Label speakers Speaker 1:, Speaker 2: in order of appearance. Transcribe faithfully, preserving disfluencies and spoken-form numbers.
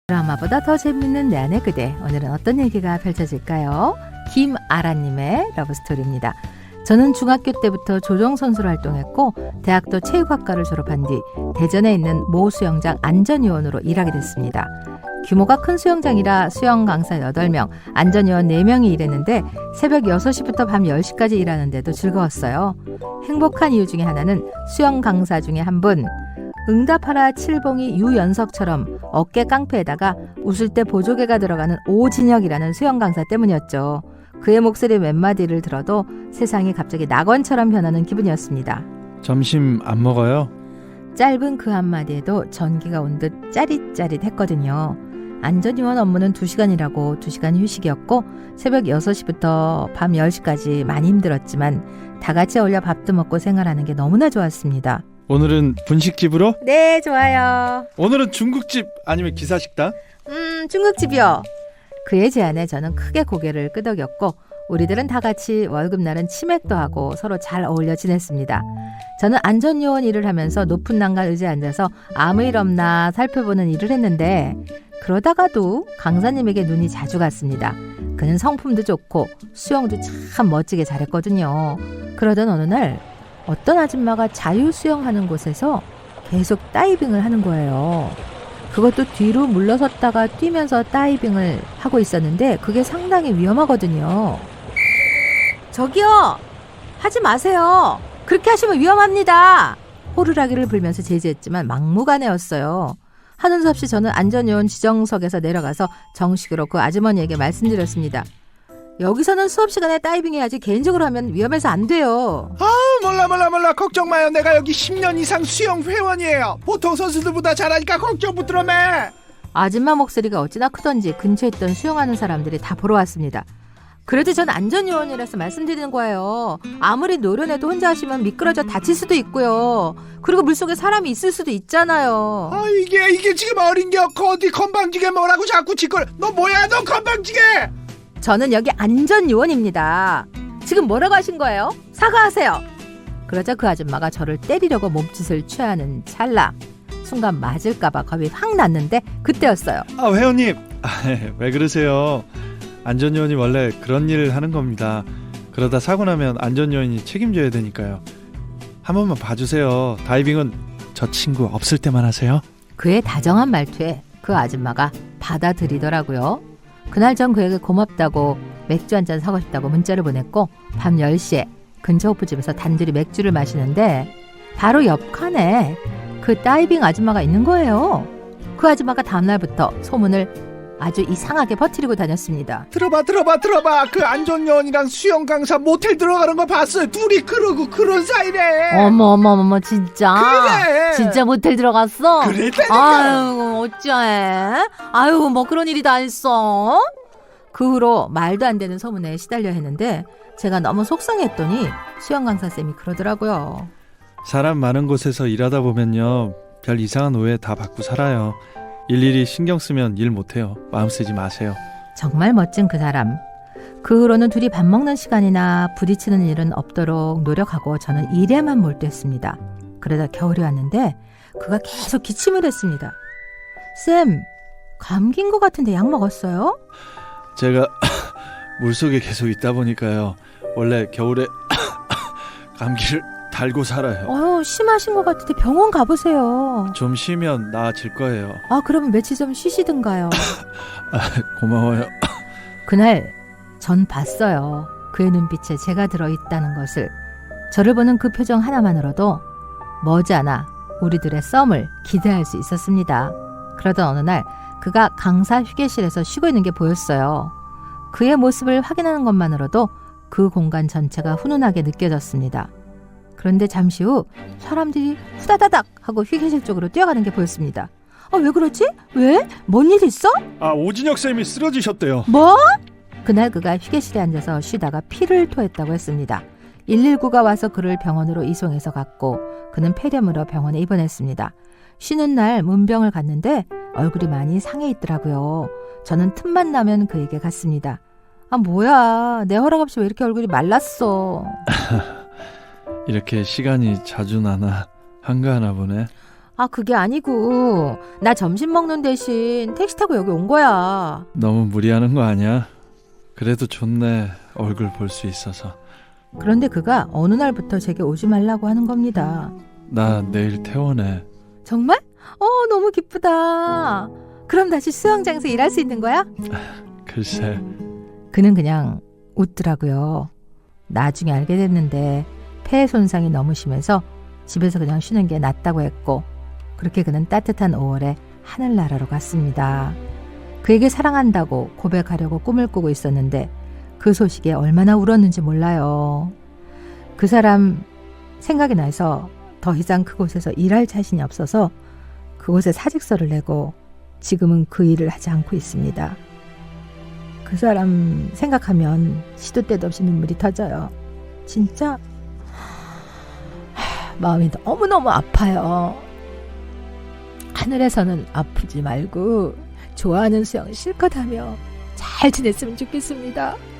Speaker 1: 드라마보다 더 재밌는 내 안의 그대. 오늘은 어떤 얘기가 펼쳐질까요? 김아라님의 러브스토리입니다. 저는 중학교 때부터 조정선수로 활동했고 대학도 체육학과를 졸업한 뒤 대전에 있는 모 수영장 안전요원으로 일하게 됐습니다. 규모가 큰 수영장이라 수영 강사 여덟 명, 안전요원 네 명이 일했는데 새벽 여섯 시부터 밤 열 시까지 일하는데도 즐거웠어요. 행복한 이유 중에 하나는 수영 강사 중에 한 분, 응답하라 칠봉이 유연석처럼 어깨 깡패에다가 웃을 때 보조개가 들어가는 오진혁이라는 수영 강사 때문이었죠. 그의 목소리 몇 마디를 들어도 세상이 갑자기 낙원처럼 변하는 기분이었습니다.
Speaker 2: 점심 안 먹어요?
Speaker 1: 짧은 그 한마디에도 전기가 온 듯 짜릿짜릿했거든요. 안전요원 업무는 두 시간이라고 두 시간 휴식이었고 새벽 여섯 시부터 밤 열 시까지 많이 힘들었지만 다 같이 어울려 밥도 먹고 생활하는 게 너무나 좋았습니다.
Speaker 2: 오늘은 분식집으로?
Speaker 1: 네, 좋아요.
Speaker 2: 오늘은 중국집 아니면 기사식당?
Speaker 1: 음, 중국집이요. 그의 제안에 저는 크게 고개를 끄덕였고 우리들은 다 같이 월급날은 치맥도 하고 서로 잘 어울려 지냈습니다. 저는 안전요원 일을 하면서 높은 난간 의자에 앉아서 아무 일 없나 살펴보는 일을 했는데 그러다가도 강사님에게 눈이 자주 갔습니다. 그는 성품도 좋고 수영도 참 멋지게 잘했거든요. 그러던 어느 날 어떤 아줌마가 자유수영하는 곳에서 계속 다이빙을 하는 거예요. 그것도 뒤로 물러섰다가 뛰면서 다이빙을 하고 있었는데 그게 상당히 위험하거든요. 저기요! 하지 마세요! 그렇게 하시면 위험합니다! 호루라기를 불면서 제지했지만 막무가내였어요. 하는 수 없이 저는 안전요원 지정석에서 내려가서 정식으로 그 아주머니에게 말씀드렸습니다. 여기서는 수업 시간에 다이빙 해야지 개인적으로 하면 위험해서 안 돼요.
Speaker 3: 아 몰라 몰라 몰라 걱정 마요. 내가 여기 십 년 이상 수영 회원이에요. 보통 선수들보다 잘하니까 걱정 붙들어 매.
Speaker 1: 아줌마 목소리가 어찌나 크던지 근처에 있던 수영하는 사람들이 다 보러 왔습니다. 그래도 전 안전요원이라서 말씀드리는 거예요. 아무리 노련해도 혼자 하시면 미끄러져 다칠 수도 있고요. 그리고 물속에 사람이 있을 수도 있잖아요.
Speaker 3: 아 이게 이게 지금 어린 게 어디 건방지게 뭐라고 자꾸 짓걸. 너 뭐야 너 건방지게.
Speaker 1: 저는 여기 안전요원입니다. 지금 뭐라고 하신 거예요? 사과하세요. 그러자 그 아줌마가 저를 때리려고 몸짓을 취하는 찰나 순간 맞을까봐 겁이 확 났는데 그때였어요.
Speaker 2: 아 회원님 아, 왜 그러세요? 안전요원이 원래 그런 일을 하는 겁니다. 그러다 사고 나면 안전요원이 책임져야 되니까요. 한 번만 봐주세요. 다이빙은 저 친구 없을 때만 하세요.
Speaker 1: 그의 다정한 말투에 그 아줌마가 받아들이더라고요. 그날 전 그에게 고맙다고 맥주 한잔 사고 싶다고 문자를 보냈고 밤 열 시에 근처 호프집에서 단둘이 맥주를 마시는데 바로 옆 칸에 그 다이빙 아줌마가 있는 거예요. 그 아줌마가 다음날부터 소문을 아주 이상하게 퍼뜨리고 다녔습니다.
Speaker 3: 들어봐 들어봐 들어봐. 그 안전요원이랑 수영 강사 모텔 들어가는 거 봤어요. 둘이 그러고 그런 사이래.
Speaker 1: 어머 어머 어머 진짜?
Speaker 3: 그래.
Speaker 1: 진짜 모텔 들어갔어?
Speaker 3: 그랬다니까.
Speaker 1: 아유 어쩌해? 아유 뭐 그런 일이 다 있어? 그 후로 말도 안 되는 소문에 시달려 했는데 제가 너무 속상했더니 수영 강사쌤이 그러더라고요.
Speaker 2: 사람 많은 곳에서 일하다 보면요 별 이상한 오해 다 받고 살아요. 일일이 신경 쓰면 일 못해요. 마음 쓰지 마세요.
Speaker 1: 정말 멋진 그 사람. 그 후로는 둘이 밥 먹는 시간이나 부딪히는 일은 없도록 노력하고 저는 일에만 몰두했습니다. 그러다 겨울이 왔는데 그가 계속 기침을 했습니다. 쌤, 감기인 것 같은데 약 먹었어요?
Speaker 2: 제가 물속에 계속 있다 보니까요 원래 겨울에 감기를 달고 살아요.
Speaker 1: 어휴, 심하신 것 같은데 병원 가보세요.
Speaker 2: 좀 쉬면 나아질 거예요.
Speaker 1: 아, 그러면 며칠 좀 쉬시든가요.
Speaker 2: 아, 고마워요.
Speaker 1: 그날 전 봤어요. 그의 눈빛에 제가 들어있다는 것을. 저를 보는 그 표정 하나만으로도 머지않아 우리들의 썸을 기대할 수 있었습니다. 그러던 어느 날 그가 강사 휴게실에서 쉬고 있는 게 보였어요. 그의 모습을 확인하는 것만으로도 그 공간 전체가 훈훈하게 느껴졌습니다. 그런데 잠시 후 사람들이 후다다닥 하고 휴게실 쪽으로 뛰어가는 게 보였습니다. 아, 왜 그러지? 왜? 뭔 일 있어?
Speaker 2: 아 오진혁 쌤이 쓰러지셨대요.
Speaker 1: 뭐? 그날 그가 휴게실에 앉아서 쉬다가 피를 토했다고 했습니다. 일일구가 와서 그를 병원으로 이송해서 갔고 그는 폐렴으로 병원에 입원했습니다. 쉬는 날 문병을 갔는데 얼굴이 많이 상해 있더라고요. 저는 틈만 나면 그에게 갔습니다. 아 뭐야 내 허락 없이 왜 이렇게 얼굴이 말랐어.
Speaker 2: 이렇게 시간이 자주 나나 한가하나 보네.
Speaker 1: 아, 그게 아니고 나 점심 먹는 대신 택시 타고 여기 온 거야.
Speaker 2: 너무 무리하는 거 아니야? 그래도 좋네. 얼굴 볼 수 있어서.
Speaker 1: 그런데 그가 어느 날부터 제게 오지 말라고 하는 겁니다.
Speaker 2: 나 내일 퇴원해.
Speaker 1: 정말? 어, 너무 기쁘다. 그럼 다시 수영장에서 일할 수 있는 거야?
Speaker 2: 글쎄.
Speaker 1: 그는 그냥 웃더라고요. 나중에 알게 됐는데 폐 손상이 너무 심해서 집에서 그냥 쉬는 게 낫다고 했고, 그렇게 그는 따뜻한 오월에 하늘나라로 갔습니다. 그에게 사랑한다고 고백하려고 꿈을 꾸고 있었는데 그 소식에 얼마나 울었는지 몰라요. 그 사람 생각이 나서 더 이상 그곳에서 일할 자신이 없어서 그곳에 사직서를 내고 지금은 그 일을 하지 않고 있습니다. 그 사람 생각하면 시도 때도 없이 눈물이 터져요. 진짜 마음이 너무너무 아파요. 하늘에서는 아프지 말고 좋아하는 수영 실컷 하며 잘 지냈으면 좋겠습니다.